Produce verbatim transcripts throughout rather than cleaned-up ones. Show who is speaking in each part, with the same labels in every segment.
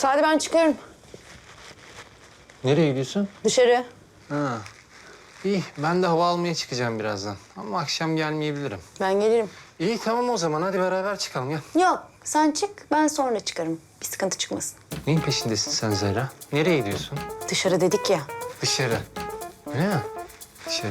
Speaker 1: Sadi ben çıkıyorum.
Speaker 2: Nereye gidiyorsun?
Speaker 1: Dışarı.
Speaker 2: Ha. İyi, ben de hava almaya çıkacağım birazdan. Ama akşam gelmeyebilirim.
Speaker 1: Ben gelirim.
Speaker 2: İyi, tamam o zaman. Hadi beraber çıkalım, gel.
Speaker 1: Yok sen çık ben sonra çıkarım. Bir sıkıntı çıkmasın.
Speaker 2: Neyin peşindesin sen Zehra? Nereye gidiyorsun?
Speaker 1: Dışarı dedik ya.
Speaker 2: Dışarı. Öyle mi? Dışarı.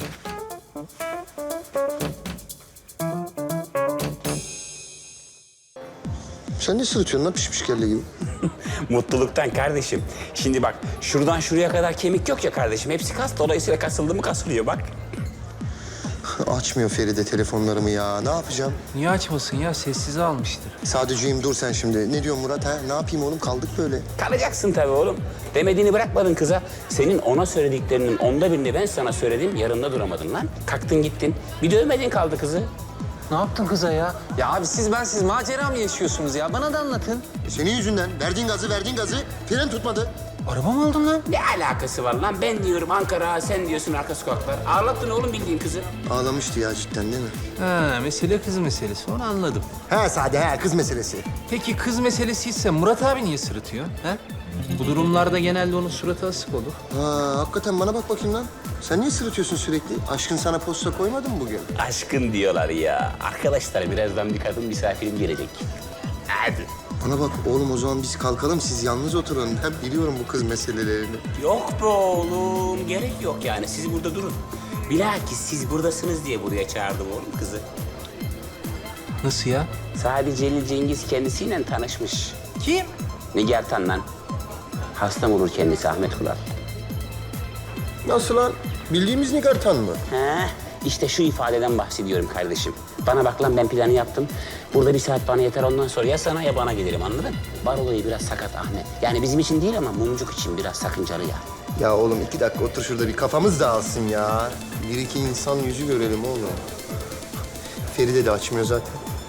Speaker 3: Sen ne sırıtıyorsun lan pişmiş kelle gibi?
Speaker 4: Mutluluktan kardeşim. Şimdi bak şuradan şuraya kadar kemik yok ya kardeşim. Hepsi kas. Dolayısıyla kasıldı mı kasılıyor bak.
Speaker 3: Açmıyor Feride telefonlarımı ya. Ne yapacağım?
Speaker 2: Niye açmasın ya? Sessize almıştır.
Speaker 3: Sadece'yim dur sen şimdi. Ne diyorsun Murat ha? Ne yapayım oğlum kaldık böyle.
Speaker 4: Kalacaksın tabii oğlum. Demediğini bırakmadın kıza. Senin ona söylediklerinin onda birini ben sana söyledim. Yarında duramadın lan. Kalktın gittin. Bir dövmedin kaldı kızı.
Speaker 2: Ne yaptın kıza ya? Ya abi siz ben siz macera mı yaşıyorsunuz ya? Bana da anlatın.
Speaker 3: E senin yüzünden verdiğin gazı verdiğin gazı fren tutmadı.
Speaker 2: Araba mı aldın lan?
Speaker 4: Ne alakası var lan? Ben diyorum Ankara, sen diyorsun arka sokaklar. Ağlattın oğlum bildiğin kızı.
Speaker 3: Ağlamıştı ya cidden değil mi?
Speaker 2: Ha, mesele kız meselesi. Onu anladım.
Speaker 3: He Sade he kız meselesi.
Speaker 2: Peki kız meselesiyse Murat abi niye sırıtıyor? Ha? Bu durumlarda genelde onun suratı asık olur.
Speaker 3: Ha hakikaten bana bak bakayım lan. Sen niye sırıtıyorsun sürekli? Aşkın sana posta koymadı mı bugün?
Speaker 4: Aşkın diyorlar ya. Arkadaşlar birazdan bir kadın misafirim gelecek. Hadi.
Speaker 3: Bana bak oğlum o zaman biz kalkalım siz yalnız oturun. Ben biliyorum bu kız meselelerini.
Speaker 4: Yok be oğlum, gerek yok yani. Siz burada durun. Bilakis siz buradasınız diye buraya çağırdım oğlum kızı.
Speaker 2: Nasıl ya?
Speaker 4: Sadi Celil Cengiz kendisiyle tanışmış.
Speaker 2: Kim?
Speaker 4: Nigar Tan lan. Hastam olur kendisi Ahmet Kural.
Speaker 3: Nasıl lan? Bildiğimiz Nigartan mı?
Speaker 4: He, işte şu ifadeden bahsediyorum kardeşim. Bana bak lan ben planı yaptım. Burada bir saat bana yeter ondan sonra ya sana ya bana gelirim anladın? Bar olayı biraz sakat Ahmet. Yani bizim için değil ama mumcuk için biraz sakıncalı ya.
Speaker 3: Ya oğlum iki dakika otur şurada bir kafamız dağılsın ya. Bir iki insan yüzü görelim oğlum. Feride de açmıyor zaten.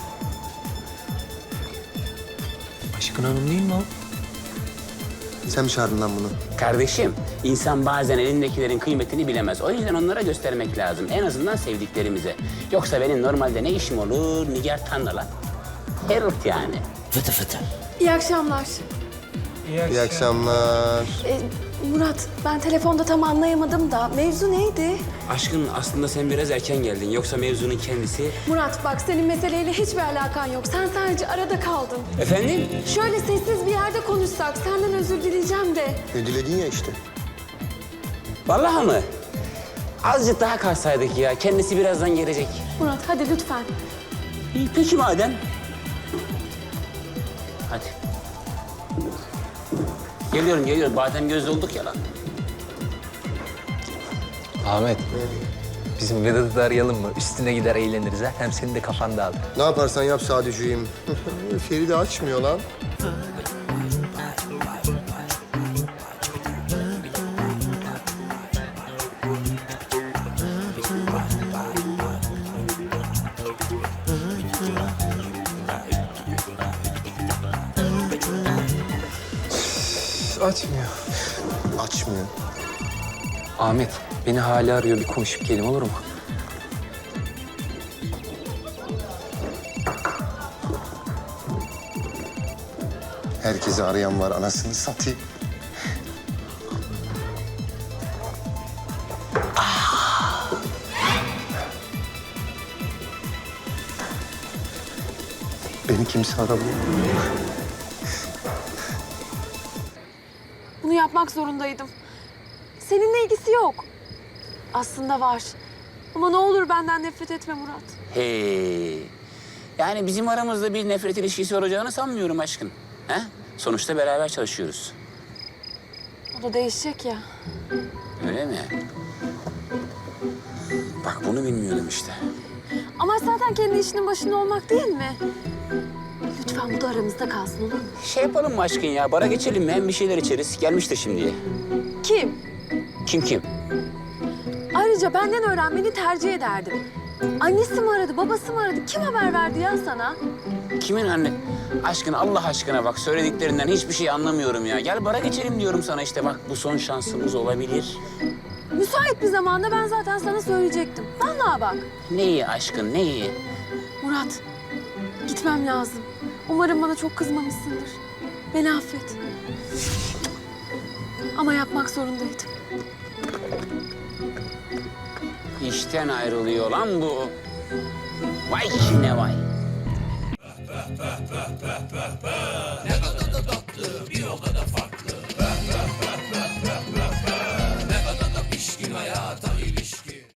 Speaker 2: Aşkın Hanım değil mi o?
Speaker 3: Sen mi çağırdın lan bunu?
Speaker 4: Kardeşim, insan bazen elindekilerin kıymetini bilemez. O yüzden onlara göstermek lazım. En azından sevdiklerimize. Yoksa benim normalde ne işim olur? Nigar Tan'la lan. Herif yani. Fıtı fıtı.
Speaker 5: İyi akşamlar.
Speaker 3: İyi akşamlar.
Speaker 5: Ee, Murat, ben telefonda tam anlayamadım da mevzu neydi?
Speaker 4: Aşkın aslında sen biraz erken geldin. Yoksa mevzunun kendisi...
Speaker 5: Murat bak senin meseleyle hiçbir alakan yok. Sen sadece arada kaldın.
Speaker 4: Efendim?
Speaker 5: Şöyle sessiz bir yerde konuşsak senden özür dileyeceğim de.
Speaker 3: Ne diledin ya işte.
Speaker 4: Vallahi mı? Azıcık daha kalsaydık ya. Kendisi birazdan gelecek.
Speaker 5: Murat hadi lütfen.
Speaker 4: İyi, peki madem. Hadi. Geliyorum, geliyorum. Badem gözlü olduk ya lan.
Speaker 2: Ahmet. Bizim Vedat'ı da arayalım mı? Üstüne gider eğleniriz ha. Hem senin de kafan dağılır.
Speaker 3: Ne yaparsan yap Sadece'yim. Feride açmıyor lan.
Speaker 2: Açmıyor.
Speaker 3: Açmıyor.
Speaker 2: Ahmet, beni hala arıyor. Bir konuşup gelin olur mu?
Speaker 3: Herkesi arayan var anasını satayım. Beni kimse aramıyor.
Speaker 5: Bunu yapmak zorundaydım. Seninle ilgisi yok. Aslında var. Ama ne olur benden nefret etme Murat.
Speaker 4: Hey. Yani bizim aramızda bir nefret ilişkisi olacağını sanmıyorum aşkın. He? Sonuçta beraber çalışıyoruz.
Speaker 5: O da değişecek ya.
Speaker 4: Öyle mi? Bak bunu bilmiyordum işte.
Speaker 5: Ama zaten kendi işinin başında olmak değil mi? Lütfen bu da aramızda kalsın olur mu?
Speaker 4: Şey yapalım mı aşkın ya? Bara geçelim mi? Hem bir şeyler içeriz. Gelmiştir şimdiye.
Speaker 5: Kim?
Speaker 4: Kim kim?
Speaker 5: Ayrıca benden öğrenmeni tercih ederdim. Annesi mi aradı, babası mı aradı? Kim haber verdi ya sana?
Speaker 4: Kimin anne? Aşkın Allah aşkına bak söylediklerinden hiçbir şey anlamıyorum ya. Gel bara geçelim diyorum sana işte bak bu son şansımız olabilir.
Speaker 5: Müsait bir zamanda ben zaten sana söyleyecektim. Vallahi bak.
Speaker 4: Neyi aşkın neyi?
Speaker 5: Murat, gitmem lazım. Umarım bana çok kızmamışsındır. Beni affet. Ama yapmak zorundaydım.
Speaker 4: İşten ayrılıyor lan bu. Vay kine vay.
Speaker 6: Ne kadar da tatlı, bir o kadar farklı.